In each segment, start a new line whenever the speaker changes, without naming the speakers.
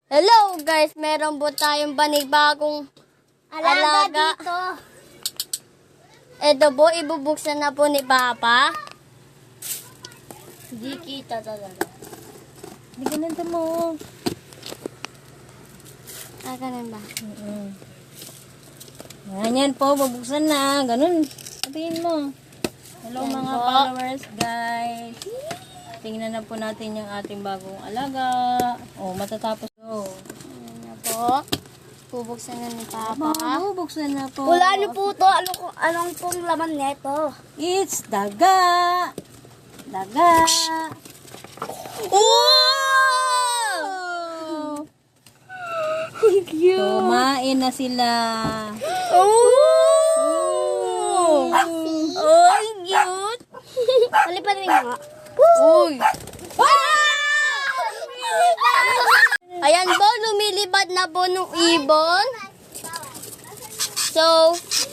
Hello guys, meron po tayong panibagong alaga
dito.
Ito po, ibubuksan na po ni Papa. Hindi kita talaga.
Hindi ganun mo.
Ganun ba?
Yan po, bubuksan na. Ganun. Sabihin mo. Hello
Yan
mga
po.
followers, guys. Tingnan na po natin yung ating bagong alaga. Oh, matatapos.
Ayan na po. Bubuksan na ni Papa.
Bubuksan na po.
Wala niyo po to. Anong pong laman nito?
It's daga. Daga.
Oh! Cute!
Kumain na sila.
Oh! Oh, cute! Palipan rin nga. Uy! Ayan po, lumilipad na po nung ibon. So,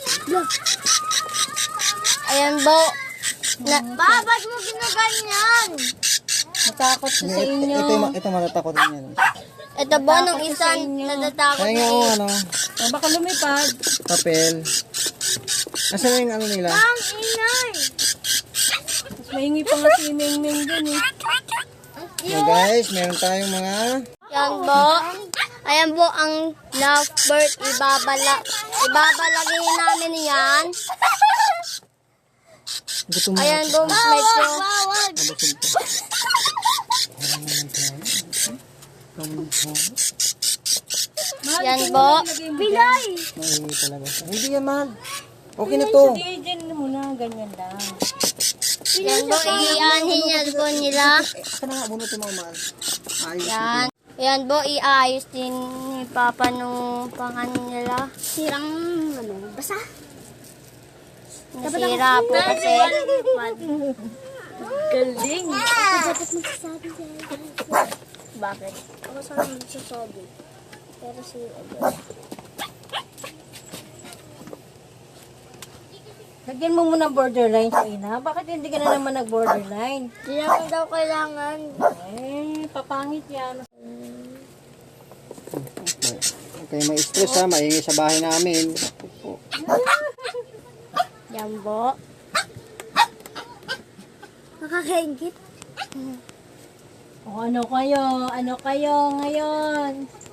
ayan po. Ba't mo ginaganyan?
Natakot siya sa inyo.
Ito matatakot rin yan.
Ito po, nung isang natatakot
Kaya
na
nga ano,
Oh, baka lumipad.
papel. Nasaan yung ano nila?
Ang inay!
Mas mahingi pa nga si Ming dun eh.
So guys, meron tayong mga
Yan po. Ayan po ang lovebird. Ibabalagin namin yan.
gutom na.
Ayan po, medyo.
Nabusog pa.
Yan po.
Pilay!
Mahingi talaga. Hindi yan mahal. Okay na to.
Hindi, dyan muna. Ganyan lang.
Yan po, ianhin niya po nila.
Aka na nga, bunutin mo mahal. Ayos.
Yan. Yan po, iayos din ni Papa nung pangan nila.
Sirang basa.
Nasira po kasi.
Galing.
Dapat magsasabi siya. Bakit?
Ako sana magsasabi. Pero si Lagyan mo muna borderline sa ina. Bakit hindi ka na naman nag-borderline?
Hindi naman daw kailangan.
Eh, papangit yan.
Huwag kayo ma-stress ha, maingay sa bahay namin.
Yan po.
Nakakaingit. O ano kayo? Ano kayo ngayon?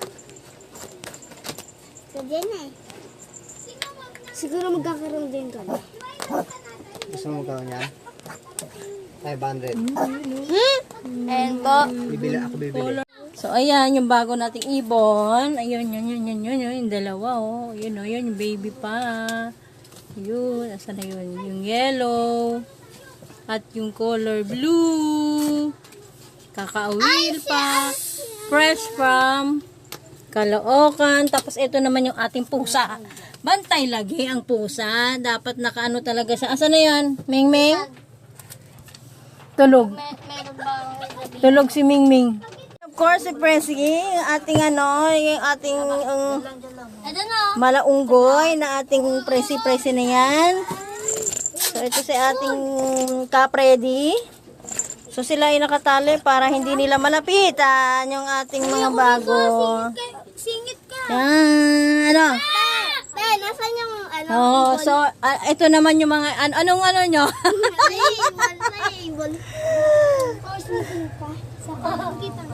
Pwede na eh. Siguro magkakaroon din ka na.
Gusto mo magkaroon yan? 500.
Ayan po.
Bibili ako, bibili.
So, ayan, yung bago nating ibon. Ayun, yun, yung dalawa, oh. Yun, oh, yun, yung baby pa. Yun, asan na yun? Yung yellow. At yung color blue. Kakaawil pa. Fresh from Caloocan. Tapos, ito naman yung ating pusa. Bantay lagi ang pusa. Dapat nakaano talaga siya. Asan na yan? Ming Ming? Tulog.
Meron bang
Tulog si Ming Ming. Of course, si Presi, yung ating yung ating
Ito na.
malaunggoy na ating Presi na yan. So, ito si ating kapredi. So, sila ay nakatali para hindi nila malapitan yung ating mga bago.
Singit ka.
Yan, ano?
Nasaan yung ano?
Oh, so, ito naman yung mga, anong ano nyo?
Ibon. Ibon. Oh, singit ka. Sa kita.